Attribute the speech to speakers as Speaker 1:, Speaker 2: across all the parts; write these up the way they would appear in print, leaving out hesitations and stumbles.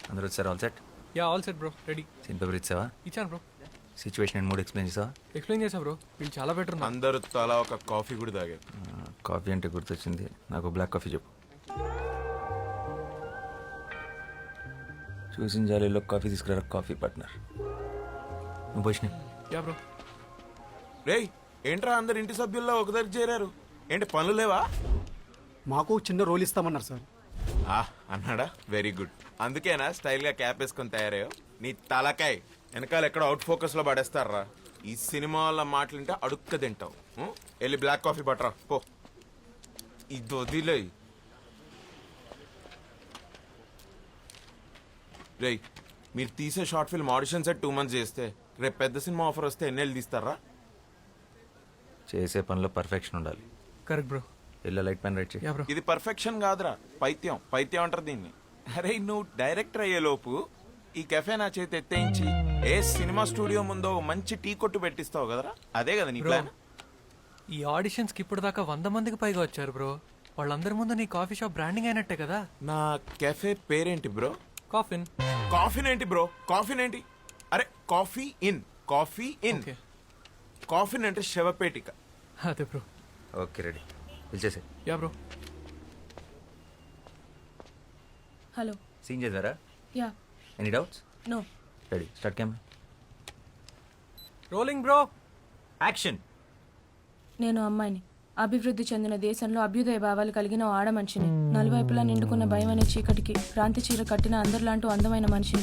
Speaker 1: అందరూ వచ్చారు. All set?
Speaker 2: Yeah all set bro, ready.
Speaker 1: Scene paper ఇచ్చావా?
Speaker 2: ఇచ్చాను bro.
Speaker 1: Situation and mood explain చేసావా?
Speaker 2: ఎక్స్ప్లెయిన్ చేసా బ్రో, వీళ్ళు చాలా బెటర్ ఉన్నారు.
Speaker 3: అందరూ తలా ఒక కాఫీ కూడా తాగారు.
Speaker 1: కాఫీ అంటే గుర్తొచ్చింది, నాకు బ్లాక్ కాఫీ చెప్పు. చూసిన జాలీలో కాఫీ తీసుకురా కాఫీ పార్ట్నర్. నువ్వు పోషిన.
Speaker 2: Yeah bro.
Speaker 3: రేయ్ ఏంట్రా అందరు ఇంటి సభ్యుల్లో ఒక దగ్గర చేరారు, ఏంటి పనులు లేవా?
Speaker 4: మాకు చిన్న రోల్ ఇస్తామన్నారు సార్.
Speaker 3: అన్నాడా? Very good. అందుకేనా స్టైల్ గా క్యాప్ వేసుకొని తయారయ్యో? నీ తలకాయ్ వెనకాల ఎక్కడ అవుట్ ఫోకస్ లో పడేస్తారా? ఈ సినిమా వాళ్ళ మాటలుంటే అడుక్క తింటావు. వెళ్ళి బ్లాక్ కాఫీ పట్టరా పో. ఇది వదిలే. రేయ్ మీరు తీసే short film audition set 2 months చేస్తే రేపు పెద్ద సినిమా ఆఫర్ వస్తే ఎన్నేళ్ళు తీస్తారా?
Speaker 1: చేసే పనిలో పర్ఫెక్షన్ ఉండాలి.
Speaker 2: Correct bro.
Speaker 1: ఇలా లైట్ పెన్ రైట్ చేయి.
Speaker 2: Yeah bro.
Speaker 3: ఇది పర్ఫెక్షన్ కాదురా, పైత్యం. పైత్యం అంటారు దీన్ని. అరే నువ్వు డైరెక్టర్ అయ్యే లోపు ఈ కెఫే నా చేతి ఎత్తేయించి ఏ సినిమా స్టూడియో ముందో మంచి టీ కొట్టు పెట్టిస్తావు కదరా, అదే కదా నీ ప్లాన్?
Speaker 2: ఈ ఆడిషన్స్ కి ఇప్పుడు దాకా 100 మందికి పైగా వచ్చారు బ్రో. వాళ్ళందరి ముందు నీ కాఫీ షాప్ బ్రాండింగ్ అయినట్టే కదా.
Speaker 3: నా కెఫే పేరేంటి బ్రో?
Speaker 2: కాఫిన్.
Speaker 3: కాఫీన్ ఏంటి బ్రో? కాఫీన్ ఏంటి? అరే coffee in, coffee in.
Speaker 2: Okay.
Speaker 3: Coffin అంటే శవపేటిక.
Speaker 2: అదే బ్రో.
Speaker 1: ఓకే రెడీ, పిలిచేసే.
Speaker 2: Yeah bro.
Speaker 5: హలో.
Speaker 1: సీన్ చేద్దారా?
Speaker 5: Yeah.
Speaker 1: Any doubts?
Speaker 5: No.
Speaker 1: Ready, start camera.
Speaker 2: Rolling bro.
Speaker 1: Action.
Speaker 5: నేను అమ్మాయిని, అభివృద్ధి చెందిన దేశంలో అభ్యుదయ భావాలు కలిగిన ఓ ఆడ మనిషిని, నలువైపులా నిండుకున్న భయం అనే చీకటికి క్రాంతి చీర కట్టిన అందరిలాంటి అందమైన మనిషిని.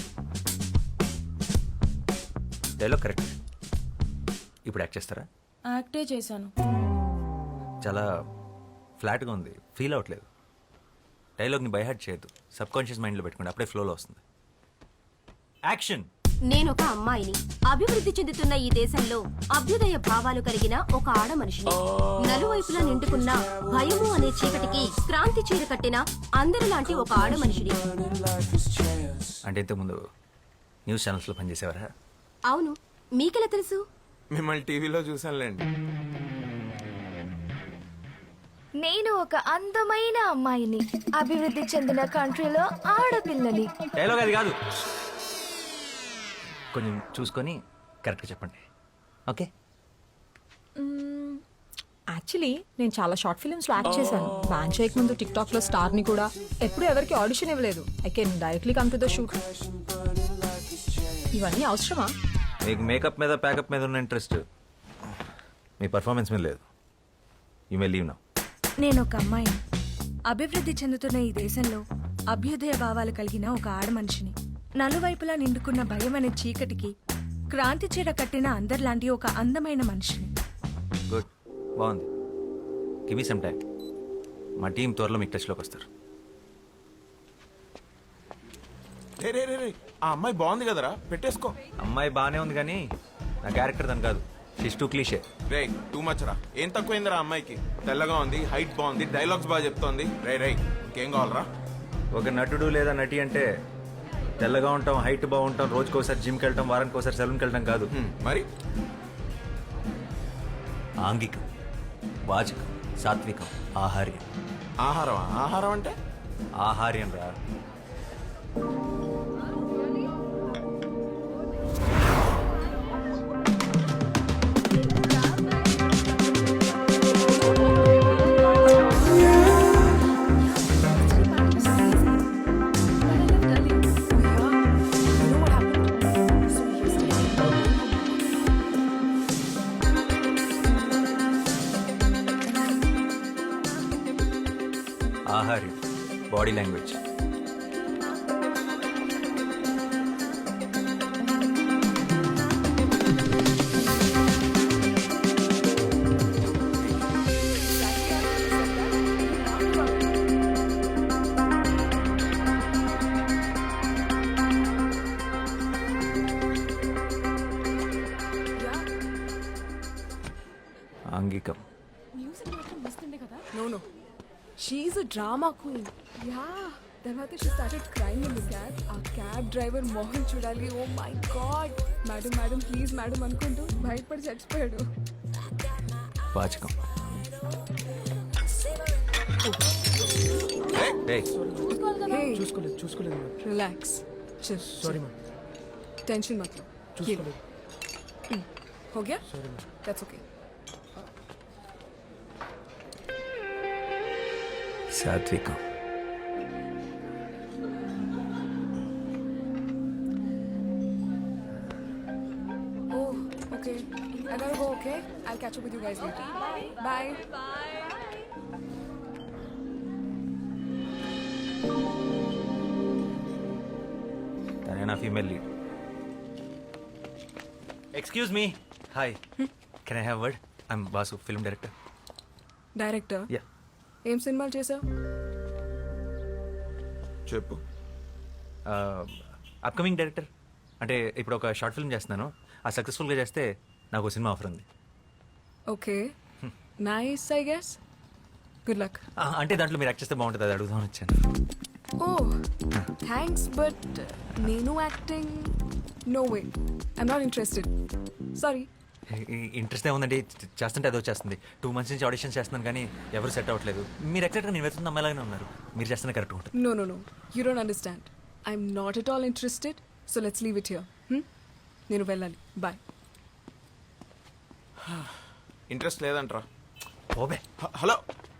Speaker 1: Dialogue correct. ఇప్పుడు యాక్ట్ చేస్తారా?
Speaker 5: యాక్టే చేశాను.
Speaker 1: చాలా ఫ్లాట్గా ఉంది, ఫీల్ అవ్వట్లేదు. డైలాగ్ని బైహార్ట్ చేయొద్దు, సబ్ కాన్షియస్ మైండ్లో పెట్టుకోండి, అప్పుడే ఫ్లోలో వస్తుంది. యాక్షన్.
Speaker 6: నేనొక అమ్మాయిని, అభివృద్ధి చెందుతున్న ఈ దేశంలో అభ్యుదయ భావాలు కలిగిన ఒక ఆడ మనిషిని, నలువైపులా నిండుకున్న భయము అనే చీకటికి క్రాంతి చీర కట్టిన అందరిలాంటి ఒక ఆడ మనిషిని.
Speaker 1: అంటే ఇంతకుముందు న్యూస్ ఛానల్స్లో పనిచేసేవారా?
Speaker 6: అవును, మీకెలా తెలుసు?
Speaker 3: మిమ్మల్ని టీవీలో చూసానులేండి.
Speaker 7: నేను ఒక అందమైన అమ్మాయిని, అభివృద్ధి చెందిన కంట్రీలో ఆడపిల్లని.
Speaker 1: డైలాగ్ అది కాదు, కొంచెం చూసుకొని కరెక్ట్గా చెప్పండి. ఓకే.
Speaker 8: యాక్చువల్లీ నేను చాలా షార్ట్ ఫిల్మ్స్లో యాక్ట్ చేశాను. బ్యాన్ చేయక ముందు టిక్టాక్లో స్టార్ని కూడా. ఎప్పుడు ఎవరికి ఆడిషన్ ఇవ్వలేదు. I can directly come to the shoot. ఇవన్నీ అవసరమా?
Speaker 1: మీకు మేకప్ మీద ప్యాకప్ మీద ఉన్న ఇంట్రెస్ట్ మీ పర్ఫార్మెన్స్ మీద లేదు. You may leave now.
Speaker 7: నేను ఒక అమ్మాయిని, అభివృద్ధి చెందుతున్న ఈ దేశంలో అభ్యుదయ భావాలు కలిగిన ఒక ఆడ మనిషిని, నలువైపులా నిండుకున్న భయం అనే చీకటికి క్రాంతి చీర కట్టిన అందరిలాంటి ఒక అందమైన మనిషిని.
Speaker 1: గుడ్, బాగుంది. Give me some time. మా టీం త్వరలో మీకు టచ్లోకి వస్తారు.
Speaker 3: రే రే రే రే, ఆ అమ్మాయి బాగుంది కదరా, పెట్టేసుకో.
Speaker 1: అమ్మాయి బాగానే ఉంది కానీ నా క్యారెక్టర్ దాని కాదు. She's too cliche.
Speaker 3: రే టూ మచ్ రా. ఏం తక్కువైందిరా అమ్మాయికి? తెల్లగా ఉంది, హైట్ బాగుంది, డైలాగ్స్ బాగా చెప్తోంది. రే రే ఇంకేం కావాలరా?
Speaker 1: ఒక నటుడు లేదా నటి అంటే తెల్లగా ఉంటాం, హైట్ బాగుంటాం, రోజుకోసారి జిమ్కి వెళ్ళటం, వారానికి ఒకసారి సెలూన్కి వెళ్ళటం కాదు.
Speaker 3: మరి
Speaker 1: ఆంగికం, వాచకం, సాత్వికం, ఆహార్యం.
Speaker 3: ఆహారం? ఆహారం అంటే
Speaker 1: ఆహార్యం రా. ఆహార్యం, బాడీ లాంగ్వేజ్. ఆంగికం.
Speaker 8: No. She's a drama queen.
Speaker 7: Yeah, తర్వాత she started crying in the cab. ఆ క్యాబ్ డ్రైవర్ మోహన్ చూడాలి. Oh my god, madam madam please madam అనుకుంటూ భయపడి చచ్చిపోయాడు.
Speaker 1: వాచకం. Hey.
Speaker 4: చూసుకోలేదు.
Speaker 8: Relax.
Speaker 7: चल
Speaker 4: సారీ మ్యామ్
Speaker 7: टेंशन मत लो ये लो।
Speaker 4: చూసుకోలేదు
Speaker 7: हो गया
Speaker 4: సారీ మ్యామ్
Speaker 7: दैट्स ओके
Speaker 1: సాత్వికం.
Speaker 7: Oh okay I gotta go okay I'll catch up with you guys later bye
Speaker 1: తనే నా female lead. Excuse me. Hi, can I have word? I'm Basu, film director.
Speaker 7: Director
Speaker 1: yeah.
Speaker 7: ఏం సినిమాలు చేసావు
Speaker 3: చెప్పు.
Speaker 1: Upcoming director. అంటే ఇప్పుడు ఒక షార్ట్ ఫిల్మ్ చేస్తున్నాను. ఆ సక్సెస్ఫుల్గా చేస్తే నాకు సినిమా ఆఫర్ ఉంది.
Speaker 7: Okay nice I guess good luck
Speaker 1: అంటే దాంట్లో మీరు యాక్ట్ చేస్తే బాగుంటుంది, అది అడుగుదామని వచ్చాను.
Speaker 7: ఓ థ్యాంక్స్ బట్ నేను acting no way I'm not interested sorry
Speaker 1: interest ఏముందండి, చేస్తుంటే అదో చేస్తుంది. 2 months నుంచి ఆడిషన్స్ చేస్తున్నాను కానీ ఎవరు సెట్ అవ్వట్లేదు. మీరు ఎగ్జాక్ట్గా నేను వెళ్తున్న అమ్మాయిలాగానే ఉన్నారు. మీరు చేస్తున్న కరెక్ట్ ఉంటుంది.
Speaker 7: No no no you don't understand I'm not at all interested so let's leave it here నేను వెళ్ళాలి బాయ్
Speaker 3: ఇంట్రెస్ట్ లేదంట్రా.
Speaker 1: ఓబే.
Speaker 3: హలో.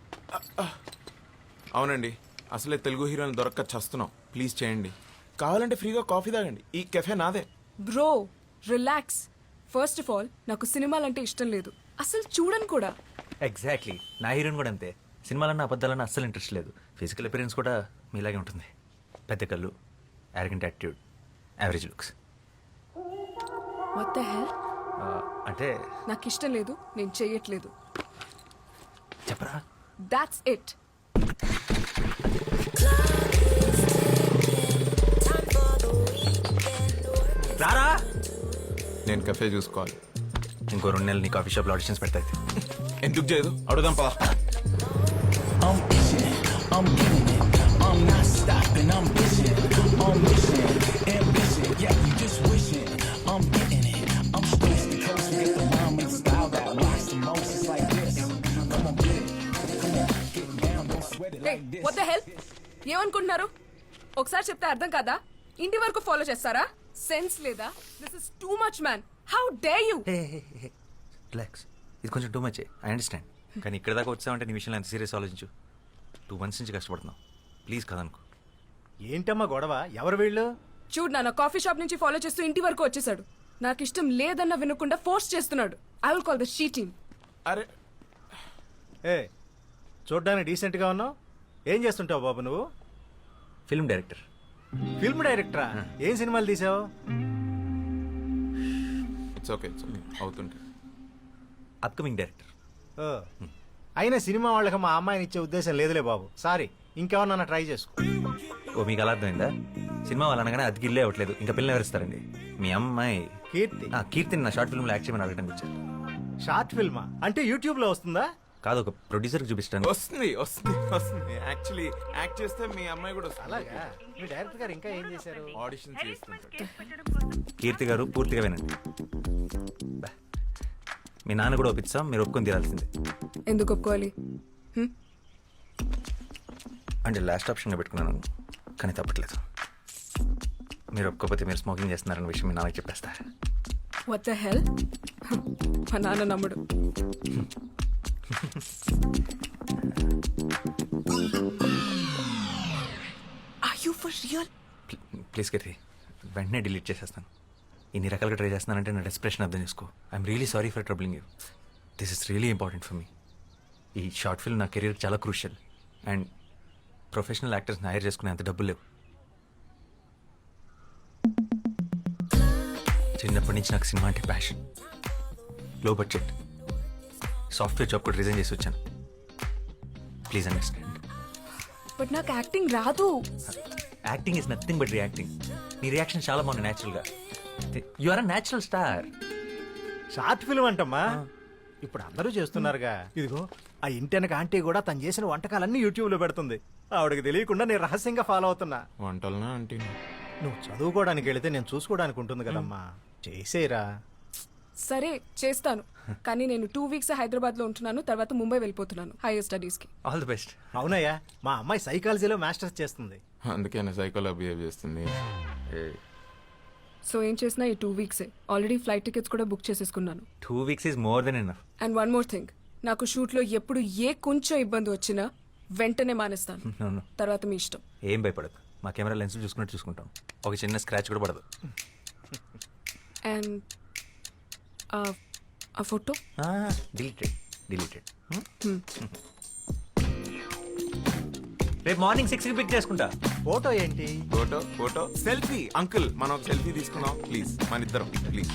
Speaker 3: అవునండి, అసలే తెలుగు హీరోని దొరక్క చస్తున్నాం. ప్లీజ్ చేయండి. కావాలంటే ఫ్రీగా కాఫీ తాగండి. ఈ కెఫే నాదే.
Speaker 7: Bro relax first of all నాకు సినిమాలంటే ఇష్టం లేదు అసలు చూడను కూడా
Speaker 1: ఎగ్జాక్ట్లీ, నా హీరోయిన్ కూడా అంతే. సినిమాలన్నా అబద్ధాలన్నా అస్సలు ఇంట్రెస్ట్ లేదు. ఫిజికల్ అపిరెన్స్ కూడా మీలాగే ఉంటుంది. పెద్ద కళ్ళు, arrogant attitude, average looks.
Speaker 7: What the hell
Speaker 1: అంటే
Speaker 7: నాకు ఇష్టం లేదు నేను చెయ్యట్లేదు
Speaker 1: చెప్పరా.
Speaker 7: దాట్స్ ఇట్
Speaker 1: రారా.
Speaker 3: నేను కెఫే చూసుకోవాలి.
Speaker 1: ఇంకో 2 నెలలు నీ కాఫీ షాప్లో ఆడిషన్స్ పెడతాయి.
Speaker 3: ఎందుకు చేయదు? అడుగుదాం పదా.
Speaker 7: వాట్ ద హెల్ ఏమనుకుంటున్నారు ఒకసారి చెప్తే అర్థం కాదా ఇంటి వరకు ఫాలో చేస్తారా సెన్స్ లేదా this is too much man how dare you
Speaker 1: relax, ఇది కొంచెం టూ మచ్. I understand. కానీ ఇక్కడ దాకా వచ్చావంటే నీ విషయంలో ఎంత సీరియస్ ఆలోచించు. 2 months నుంచి కష్టపడుతున్నావు. ప్లీజ్ కదనుకో.
Speaker 9: ఏంటమ్మా గొడవ? ఎవరు వీళ్ళు?
Speaker 7: చూడు నాన్న కాఫీ షాప్ నుంచి ఫాలో చేస్తూ ఇంటి వరకు వచ్చేసాడు నాకు ఇష్టం లేదన్న వినకుండా ఫోర్స్ చేస్తున్నాడు I will call the she team
Speaker 3: అరే
Speaker 9: ఏ చూడ్డానికి డీసెంట్గా ఉన్నావు. ఏం చేస్తుంటావు బాబు నువ్వు?
Speaker 1: Film director.
Speaker 9: ఫిల్మ్ డైరెక్టరా? ఏం సినిమాలు తీసావు?
Speaker 3: ఇట్స్ ఓకే అవుతుంటే.
Speaker 1: Upcoming director.
Speaker 9: ఓ, అయినా సినిమా వాళ్ళకి మా అమ్మాయిని ఇచ్చే ఉద్దేశం లేదులే బాబు. సారీ, ఇంకెవరన్నా ట్రై చేసుకో.
Speaker 1: ఓ, మీకు అలా అర్థమైందా? సినిమా వాళ్ళు అనగానే అది గిల్లే అవ్వట్లేదు. ఇంకా పిల్లలు ఎవరిస్తారండి? మీ అమ్మాయి
Speaker 9: కీర్తి.
Speaker 1: కీర్తిని నా షార్ట్ ఫిల్మ్లో యాక్ట్ చేయమని అడగడానికి వచ్చారు.
Speaker 9: షార్ట్ ఫిల్మా? అంటే యూట్యూబ్లో వస్తుందా?
Speaker 1: కాదు, ఒక ప్రొడ్యూసర్కి చూపిస్తాను.
Speaker 3: వస్తుంది వస్తుంది వస్తుంది. యాక్చువల్లీ యాక్ట్ చేస్తే మీ అమ్మాయి కూడా వస్తుంది.
Speaker 9: అలాగా? మీ డైరెక్టర్ గారు ఇంకా ఏం చేశారు?
Speaker 3: ఆడిషన్ చేస్తుంటారు.
Speaker 1: కీర్తి గారు పూర్తిగా వినండి. బా. మీ నాన్న కూడా ఒప్పిస్తాం, మీరు ఒప్పుకొని తీరాల్సిందే.
Speaker 7: ఎందుకు ఒప్పుకోవాలి
Speaker 1: అంటే లాస్ట్ ఆప్షన్గా పెట్టుకున్నాను, కానీ తప్పట్లేదు. మీరు ఒప్పుకోకపోతే మీరు స్మోకింగ్ చేస్తున్నారన్న విషయం మీ నాన్నకి చెప్పేస్తా.
Speaker 7: వాట్ ద హెల్ మా నాన్న నమ్ముడు are you for real
Speaker 1: please Keerthi, వెంటనే డిలీట్ చేసేస్తాను. ఇన్ని రకాలుగా ట్రై చేస్తున్నానంటే నా డెస్ప్రెషన్ అర్థం చేసుకో. I'm really sorry for troubling you. This is really important for me. ఈ షార్ట్ ఫిల్మ్ నా కెరీర్ చాలా క్రూషియల్. అండ్ ప్రొఫెషనల్ యాక్టర్స్ని హైర్ చేసుకునే అంత డబ్బులు లేవు. చిన్నప్పటి నుంచి నాకు సినిమా అంటే passion. Low budget software job కూడా రిజైన్ చేసి వచ్చాను. Please understand.
Speaker 7: బట్ నాకు యాక్టింగ్ రాదు.
Speaker 1: Acting is nothing but reacting. నీ రియాక్షన్ చాలా బాగుంది న్యాచురల్గా. You are a natural star.
Speaker 9: Short film అంటమ్మా, ఇప్పుడు అందరూ చేస్తున్నారుగా. ఇదిగో ఆ ఇంటెనక ఆంటీ కూడా తను చేసిన వంటకాలన్నీ యూట్యూబ్లో పెడుతుంది. ఆవిడకి తెలియకుండా నేను రహస్యంగా ఫాలో అవుతున్నా.
Speaker 3: వంటలనా అంటే
Speaker 9: నువ్వు చదువుకోవడానికి వెళితే నేను చూసుకోవడానికి ఉంటుంది కదమ్మా. చేసేరా.
Speaker 7: సరే చేస్తాను కానీ నేను 2 weeks హైదరాబాద్ లో ఉంటున్నాను తర్వాత ముంబై వెళ్ళిపోతున్నాను హైయర్ స్టడీస్ కి
Speaker 1: ఆల్ ది బెస్ట్.
Speaker 9: అవునయ్యా, మా అమ్మాయి సైకాలజీలో మాస్టర్స్ చేస్తుంది.
Speaker 3: అందుకే సైకోలో బిహేవ్ చేస్తుంది.
Speaker 7: సో ఏం చేసినా ఈ 2 వీక్సే ఆల్రెడీ ఫ్లైట్ టికెట్స్ కూడా బుక్ చేసేసుకున్నాను
Speaker 1: 2 weeks is more than enough.
Speaker 7: And one more thing, నాకు షూట్లో ఎప్పుడు ఏ కొంచెం ఇబ్బంది వచ్చినా వెంటనే మానేస్తాను.
Speaker 1: నో
Speaker 7: తర్వాత మీ ఇష్టం.
Speaker 1: ఏం భయపడదు, మా కెమెరా లెన్స్ చూసుకున్నట్టు చూసుకుంటాం. ఒక చిన్న స్క్రాచ్ కూడా పడదు.
Speaker 7: అండ్ ఆ ఫోటో
Speaker 1: డిలీటెడ్. రేపు మార్నింగ్ 6కి పిక్ చేసుకుంటా.
Speaker 9: ఫోటో ఏంటి?
Speaker 3: Photo selfie. అంకుల్ మనం ఒక సెల్ఫీ తీసుకున్నాం ప్లీజ్, మన ఇద్దరం please.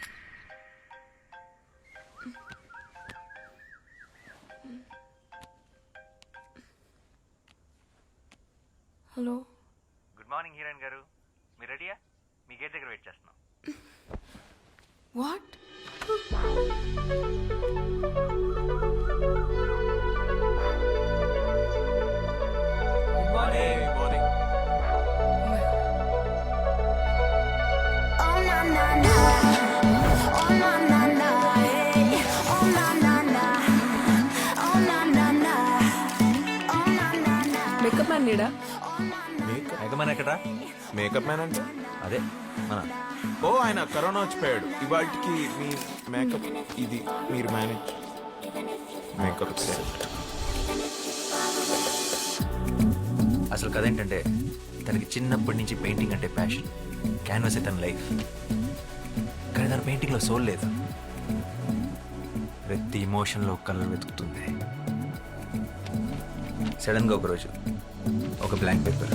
Speaker 7: Hello.
Speaker 1: Good morning heroine గారు, మీరు రెడీయా? మీ గేట్ దగ్గర వెయిట్ చేస్తున్నాం.
Speaker 7: వాట్? మేకప్ మ్యాన్ నీడా?
Speaker 1: ఎగమని ఎక్కడా?
Speaker 3: మేకప్ మ్యాన్ అంటే
Speaker 1: అదే మన
Speaker 3: ఓ ఆయన కరోనా వచ్చిపోయాడు. ఇవాటికి మీ మేకప్ ఇది మీరు మేనేజ్ మేకప్.
Speaker 1: అసలు కథ ఏంటంటే తనకి చిన్నప్పటి నుంచి పెయింటింగ్ అంటే ప్యాషన్. క్యాన్వాస్ తన లైఫ్, కానీ తన పెయింటింగ్లో సోల్ లేదు. ప్రతి ఇమోషన్లో కలర్ వెతుకుతుంది. సడన్గా ఒకరోజు ఒక బ్లాంక్ పేపర్,